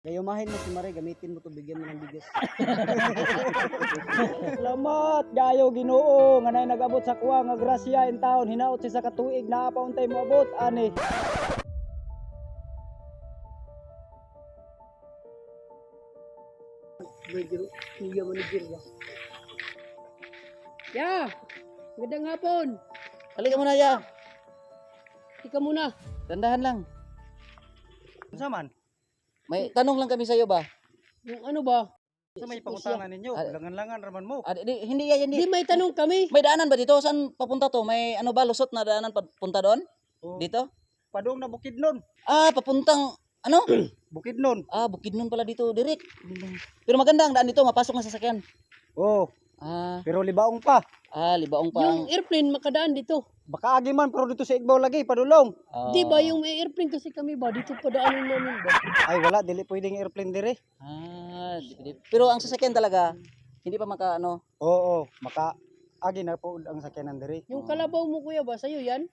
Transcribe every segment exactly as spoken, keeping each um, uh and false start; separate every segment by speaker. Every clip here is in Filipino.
Speaker 1: Gayumahin mo si Mare, gamitin mo to, bigyan mo ng bigas.
Speaker 2: Salamat gayo Ginoo nga nay nagabot sa kuha nga grasya in taon hinaot siya sa katuig naa pa untay mo abot ani.
Speaker 3: Medyo kuya manager ba? Ya, magandang hapon.
Speaker 1: Halika muna, ya.
Speaker 3: Ika muna.
Speaker 1: Dandahan lang.
Speaker 2: Unsa man?
Speaker 1: May tanong lang kami sa iyo ba?
Speaker 3: Yung ano ba?
Speaker 2: Sa may pangutangan ninyo,
Speaker 1: Ah,
Speaker 2: langan-langan raman mo.
Speaker 1: Ah, di, hindi yan,
Speaker 3: Hindi
Speaker 1: hindi.
Speaker 3: may tanong kami.
Speaker 1: May daanan ba dito? Saan papunta to? May ano ba, lusot na daanan papunta doon?
Speaker 2: Oh,
Speaker 1: Dito?
Speaker 2: padung na Bukidnon.
Speaker 1: Ah, papuntang, ano?
Speaker 2: Bukidnon.
Speaker 1: Ah, Bukidnon pala dito, direct. Pero maganda ang daan dito, mapasok na sasakyan.
Speaker 2: Oh,
Speaker 1: Ah,
Speaker 2: pero libaong pa.
Speaker 1: ah, libaong pa
Speaker 3: Yung
Speaker 1: ang...
Speaker 3: airplane makadaan dito.
Speaker 2: Baka agi man pero dito sa Igbaw lagi padulong.
Speaker 1: Ah,
Speaker 3: Di ba yung may airplane kasi kami ba? Dito pa daanan namin ba?
Speaker 2: Ay wala dili pwedeng airplane dire.
Speaker 1: Ah, di, di. Pero ang sasakyan talaga, hindi pa maka, ano,
Speaker 2: Oo, maka agi na po ang sakyanan dire.
Speaker 3: Yung kalabaw mo kuya ba? Sa'yo yan?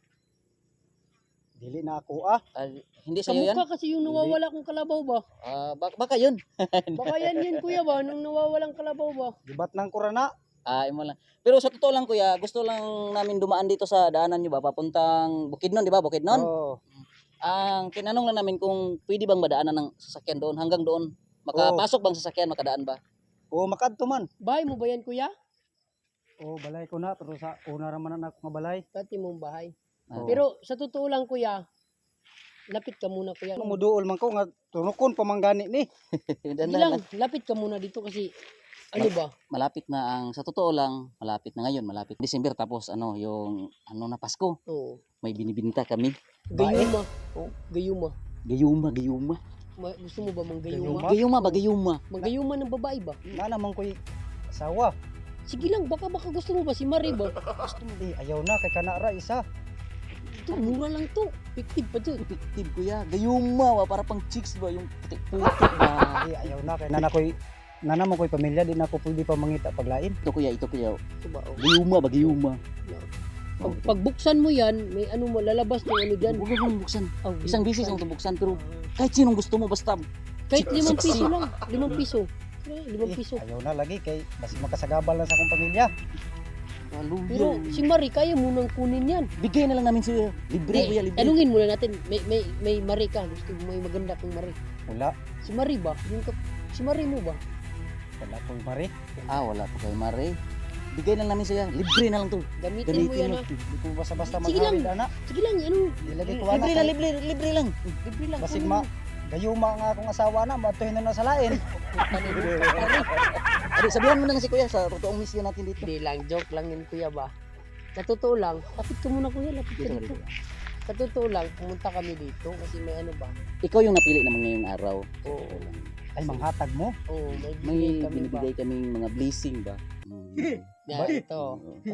Speaker 2: Dili na ako ah.
Speaker 1: ah, hindi sa'yo yan?
Speaker 3: Kamukha kasi yung nawawala kong kalabaw ba?
Speaker 1: Ah, bak baka yun.
Speaker 3: Baka yan yun kuya ba? Nung nawawalang kalabaw ba?
Speaker 2: Gibat nang kurana.
Speaker 1: Ah, imo lang. Pero sa totoo lang kuya, gusto lang namin dumaan dito sa daanan nyo ba, papuntang Bukidnon, di ba? Bukidnon?
Speaker 2: Oo.
Speaker 1: Ang tinanong lang namin kung pwede bang madaanan ng sasakyan doon, hanggang doon. Makapasok bang sasakyan, makadaan ba?
Speaker 2: Oo, makadto man.
Speaker 3: Bahay mo ba yan kuya?
Speaker 2: Oo, balay ko na pero sa una ra man ako nga balay.
Speaker 3: Dati mong bahay.
Speaker 1: Ah.
Speaker 3: Pero sa totoo lang kuya, lapit ka muna kuya.
Speaker 2: Ano mo duol man ko nga tunukon pamanggani ni.
Speaker 1: Dandahan
Speaker 3: Hindi
Speaker 1: lang.
Speaker 3: lang, lapit ka muna dito kasi ano ba?
Speaker 1: Malapit na ang, sa totoo lang, malapit na ngayon, malapit. December tapos ano, yung ano na Pasko,
Speaker 3: Oo.
Speaker 1: may binibinta kami.
Speaker 3: Gayuma. Oh, gayuma.
Speaker 1: Gayuma, gayuma.
Speaker 3: Ma- gusto mo ba mang
Speaker 2: Gayuma?
Speaker 3: gayuma?
Speaker 1: Gayuma ba, gayuma?
Speaker 3: Mang gayuma ng babae ba?
Speaker 2: Na naman ko'y asawa.
Speaker 3: Sige lang, baka baka gusto mo ba si Marie ba?
Speaker 2: Gusto mo di ayaw na kay kana ra isa.
Speaker 3: Ito, mura lang to. Fictive pa dyan.
Speaker 1: Effective kuya, gayuma ba, para pang chicks ba, yung putik-putik ba.
Speaker 2: Di ayaw na kay nana ko'y nana mo ko'y pamilya di na ako pwede pa mangita paglain.
Speaker 1: Ito kuya, ito kuya.
Speaker 3: Ito ba? Oh.
Speaker 1: Gayuma ba, gayuma.
Speaker 3: Pag, pagbuksan mo yan, may ano mo, lalabas ng ano dyan.
Speaker 1: Huwag mong buksan.
Speaker 3: Oh,
Speaker 1: Isang bisis ang buksan, pero kahit sinong gusto mo, basta
Speaker 3: kahit
Speaker 1: sik-
Speaker 3: limang
Speaker 1: siksi.
Speaker 3: piso lang. Limang piso. Eh, limang
Speaker 2: Eh,
Speaker 3: piso.
Speaker 2: ayaw na lagi kay mas makasagabal na sa akong pamilya.
Speaker 1: Hallelujah.
Speaker 3: Pero si Marie, kaya mo nang kunin yan.
Speaker 1: Bigay na lang namin sa'yo. Libre
Speaker 3: Eh,
Speaker 1: kuya, libre.
Speaker 3: tanungin muna natin, may, may, may Marie ka. Gusto mo may maganda kong Marie.
Speaker 2: Wala,
Speaker 3: Si Marie ba? Yung ka, si Marie mo ba?
Speaker 2: wala ko'y mari.
Speaker 1: Ah, wala po kayo, Mare. Bigay na lang namin sa'yo. Libre na lang to.
Speaker 3: Gamitin, mo
Speaker 1: Gamitin
Speaker 3: yan
Speaker 1: mo.
Speaker 3: ha.
Speaker 2: Di ko basta-basta
Speaker 3: Sige lang.
Speaker 2: maghawid ana.
Speaker 3: Sige lang, ano?
Speaker 2: Dilagay ko ana.
Speaker 1: Libre na, libre, libre lang.
Speaker 3: Libre lang.
Speaker 2: Basig
Speaker 3: ano
Speaker 2: ma
Speaker 3: mo?
Speaker 2: gayuma nga akong asawa na matuhin na na sa lain.
Speaker 1: Adi, sabihan mo na lang si kuya sa totoong mission natin dito.
Speaker 3: Hindi lang, joke lang yun kuya ba? Sa totoo lang, lapit ka muna kuya, lapit ka
Speaker 1: Dito,
Speaker 3: dito.
Speaker 1: dito.
Speaker 3: Sa totoo lang, pumunta kami dito kasi may ano ba?
Speaker 1: Ikaw yung napili naman ngayong araw.
Speaker 3: Oo,
Speaker 2: Ay manghatag mo.
Speaker 3: oo, may
Speaker 1: May
Speaker 3: bigay kami ba?
Speaker 1: binibigay kaming mga blessing ba? Mm.
Speaker 3: Yan, ito.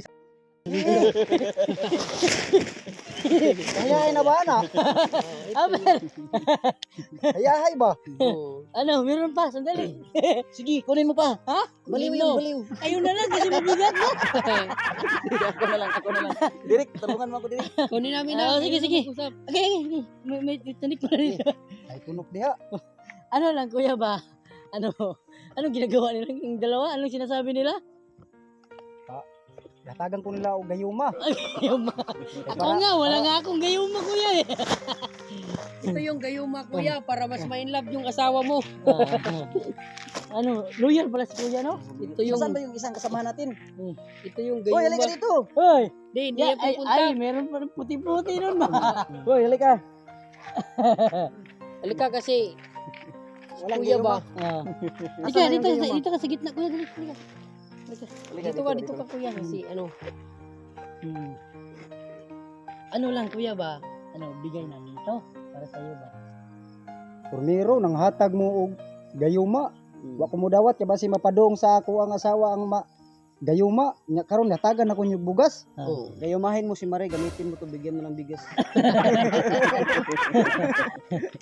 Speaker 2: Hayahay na ba ana?
Speaker 3: Amen!
Speaker 2: Hayahay ba?
Speaker 3: Oo.
Speaker 4: Ano, meron pa, sandali.
Speaker 1: Sige, kunin mo pa.
Speaker 4: Ha?
Speaker 1: Baliw
Speaker 3: Kunin
Speaker 1: yun,
Speaker 3: mo.
Speaker 1: baliw.
Speaker 4: Ayun na lang kasi mabigat mo.
Speaker 1: ako na lang, ako na lang. Direk, tulungan mo ako direk.
Speaker 3: Kunin namin
Speaker 4: Ah,
Speaker 3: na.
Speaker 4: sige, sige.
Speaker 3: Usap.
Speaker 4: Okay, okay, okay. May, may tanik pa rin.
Speaker 2: Ay tunok diha.
Speaker 4: Ano lang, kuya ba? Ano, anong ginagawa nila yung dalawa? Anong sinasabi nila?
Speaker 2: Hatagan ko nila og gayuma.
Speaker 4: Gayuma.
Speaker 2: Kay
Speaker 4: Ako
Speaker 2: para-
Speaker 4: nga, wala
Speaker 2: para-
Speaker 4: nga akong gayuma, kuya eh.
Speaker 3: Ito yung gayuma kuya para mas ma-in love yung asawa mo.
Speaker 4: Ah, ano, loyal pala si kuya, no?
Speaker 3: Ito yung
Speaker 1: Saan ba yung isang kasama natin?
Speaker 3: ito yung
Speaker 1: Hoy, halika
Speaker 3: gayuma.
Speaker 1: dito.
Speaker 4: Hoy,
Speaker 3: Di, hindi
Speaker 4: yeah,
Speaker 3: yan
Speaker 4: ay,
Speaker 3: pupunta.
Speaker 4: ay, meron pa rin puti-puti nun ba?
Speaker 1: Hoy, halika.
Speaker 3: Halika kasi
Speaker 2: Walang
Speaker 3: kuya ba?
Speaker 4: Ah.
Speaker 2: Asan
Speaker 4: Ika,
Speaker 2: na yung
Speaker 4: dito,
Speaker 2: gayuma?
Speaker 4: dito ka sa gitna, kuya, dito. Halika.
Speaker 1: Halika,
Speaker 3: Dito ka, dito ka kuya kasi ano.
Speaker 4: Hmm. Ano lang, kuya ba? Ano, bigay namin to para sa iyo ba?
Speaker 2: Turnero nang hatag mo og gayuma. Wa ko mo dawat kay basi mapadong sa ako ang asawa ang ma gayuma. Nya karon hatagan ako nyug bugas.
Speaker 4: Ah.
Speaker 3: Oo.
Speaker 1: Gayumahin mo si Mare, gamitin mo to, bigyan mo ng bigas.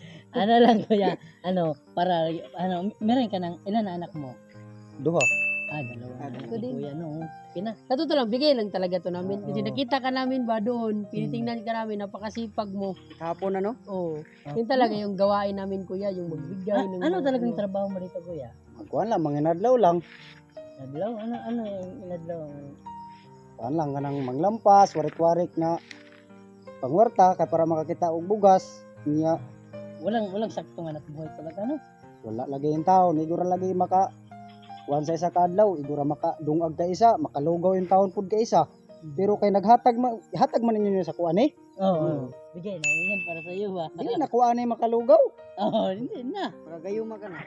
Speaker 4: Ano lang, kuya? Ano, para, ano, meron ka ng, ilan na anak mo?
Speaker 2: Duha.
Speaker 4: Ah, dalawa
Speaker 2: Ah,
Speaker 4: na.
Speaker 3: ako din.
Speaker 4: Kuya, no. Pina.
Speaker 3: Sa totoo lang, bigay lang talaga to namin. Kasi
Speaker 2: Oo.
Speaker 3: nakita ka namin ba doon, tinitingnan ka namin, napakasipag mo.
Speaker 2: Kahapon ano?
Speaker 3: Oo.
Speaker 4: Ah,
Speaker 3: Yun talaga yung gawain namin kuya, yung magbigay.
Speaker 4: Ah,
Speaker 3: ng
Speaker 4: ano
Speaker 3: mga
Speaker 4: talagang trabaho mo dito, kuya?
Speaker 2: Magkuhan lang, manginadlaw lang.
Speaker 4: Adlaw? Ano, ano yung inadlaw?
Speaker 2: Kuhan lang, ganang manglampas, warik-warik na pangwarta, kaya para makakita og bugas. Niya,
Speaker 4: Walang, walang saktong anak buhay talaga, no?
Speaker 2: wala lagi yung taon, igura lagi maka kuhan sa isa kadlaw, igura maka dungag ka isa, makalugaw yung taon pud ka isa. Pero kay naghatag ma, hatag man ninyo sa kuan eh.
Speaker 4: Oo. Bigay na, yan para sa iyo ba?
Speaker 2: Dili na kuan eh makalugaw.
Speaker 4: Oo, hindi na.
Speaker 2: Para gayuma ka na.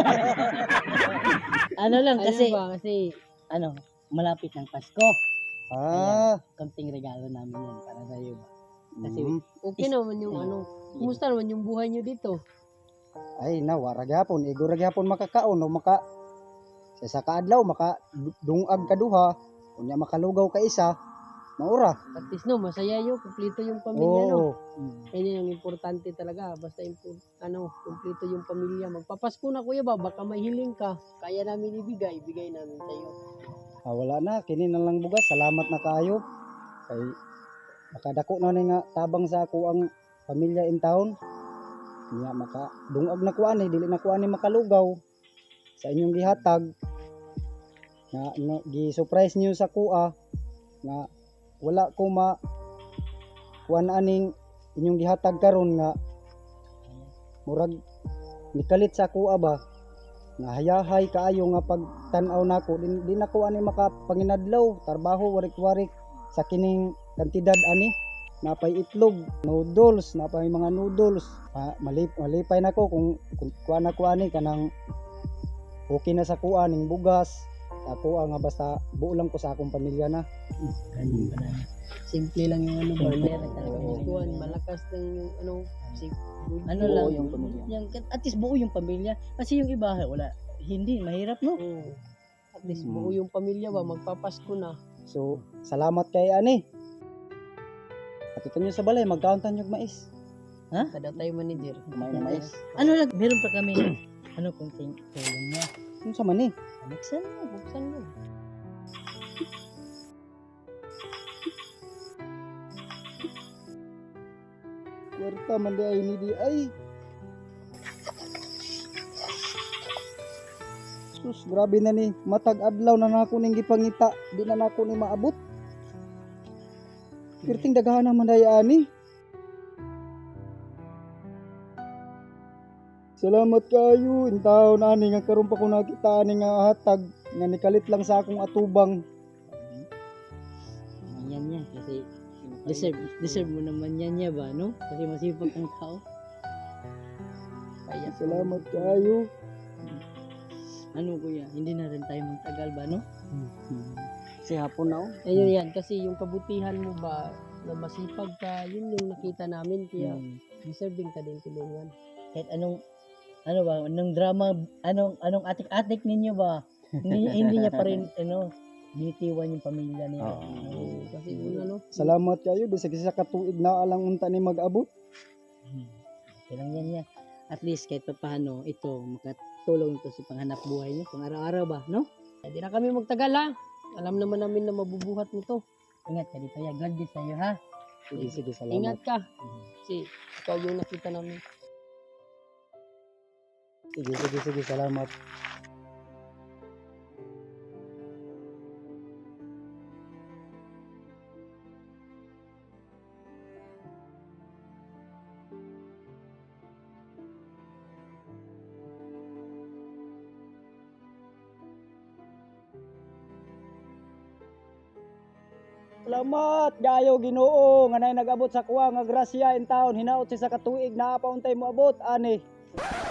Speaker 4: Ano lang
Speaker 3: Kasi,
Speaker 4: kasi,
Speaker 3: ba, kasi
Speaker 4: ano, malapit ng Pasko.
Speaker 2: Ah,
Speaker 4: Kamting regalo namin yan para sa iyo ba? Kasi,
Speaker 2: mm.
Speaker 3: okay naman yung ano, kumusta naman yung buhay nyo dito?
Speaker 2: Ay na wara gyapon, igura gyapon makakaon o maka sa isa ka adlaw maka du- dungag ka duha, unya makalugaw ka isa. Maura.
Speaker 3: At least no, masaya yun, kumplito yung pamilya no.
Speaker 2: Oo.
Speaker 3: Yan yung importante talaga, basta impo- ano, kumplito yung pamilya. Magpapasko na kuya ba, baka may hiling ka, kaya namin ibigay, bigay namin sa iyo.
Speaker 2: Ah, wala na, kini na lang bugas. Salamat na kayo. Kay makadako na ni nga tabang sa ako ang pamilya in town. Niya maka dungag na kuan eh, dili na kuan ni makalugaw sa inyong gihatag. Na, na gi-surprise niyo sa kuha nga wala ko ma kuan aning inyong gihatag karon nga murag nikalit sa kuha ba nga hayahay kaayo nga pagtan-aw nako din din ako ani makapanginadlaw trabaho warik-warik sa kining kantidad ani napay itlog noodles napay mga noodles Ma, malip, malipay nako kung, kung kuan ako ani kanang okay na sa kuha ning bugas ako nga basta buo lang ko sa akong pamilya na.
Speaker 4: ganun pa na.
Speaker 3: Simple lang yung ano ba,
Speaker 4: Simple
Speaker 3: meron
Speaker 4: lang
Speaker 3: talaga
Speaker 4: talaga.
Speaker 3: yung kuwan, malakas lang yung ano, si
Speaker 4: Ano
Speaker 2: Buo
Speaker 4: lang,
Speaker 2: yung pamilya.
Speaker 4: yung, at least buo yung pamilya. Kasi yung iba, wala, hindi, mahirap, no?
Speaker 3: Oo. At least
Speaker 2: Mm.
Speaker 3: buo yung pamilya ba, magpapasko na.
Speaker 2: So salamat kay ani. Atutan niyo sa balay magkauntan yung mais.
Speaker 3: Kada tayo manager.
Speaker 2: Kumain ng mais.
Speaker 4: Ano lang, meron pa kami, ano, kung ting- tulong niya.
Speaker 2: Ano sa man eh?
Speaker 4: Buksan mo.
Speaker 3: Buksan mo.
Speaker 2: Kwarta man di ay ni di ay. Sus, grabe na ni. Matag adlaw na nako ning gipangita. Di na nako ni maabot. Pirting daghan naman day ani. Salamat kayo. Intaw na ani nga karon pa ko nakita ani nga hatag nga nikalit lang sa akong atubang.
Speaker 4: Yan yan, kasi deserve, deserve mo naman yan niya ba, no? Kasi masipag kang tao.
Speaker 3: Kaya
Speaker 2: Salamat kayo.
Speaker 4: Ano kuya, hindi na rin tayo magtagal ba, no?
Speaker 2: Si hapon na oh.
Speaker 3: Ayun yan, kasi yung kabutihan mo ba, na masipag ka, yun yung nakita namin, kaya
Speaker 4: Hmm.
Speaker 3: deserving ka din tulungan.
Speaker 4: Kahit anong, ano ba, anong drama, anong, anong atik-atik ninyo ba? hindi, hindi niya pa rin, ano, binitiwan yung pamilya niya.
Speaker 2: Oo.
Speaker 4: Ano,
Speaker 3: Oo, kasi yun ano,
Speaker 2: Salamat kayo. Bisag isa ka tuig na alang unta ni mag-abot.
Speaker 4: Hmm. Okay lang yan yan. At least kahit pa paano, ito, makatulong ito sa panghanap buhay niyo, pang araw-araw ba, no?
Speaker 3: hindi na kami magtagal ha. Alam naman namin na mabubuhat mo to.
Speaker 4: Ingat ka dito, ya. God bless sa'yo, ha?
Speaker 2: Sige, sige, salamat.
Speaker 3: Ingat ka. Kasi ikaw yung nakita namin.
Speaker 2: Sige, sige, sige, salamat. Salamat gayo Ginoo nga nay nag-abot sa kuha nga grasya in town hinaot si sa katuig na pa untay mo abot ani.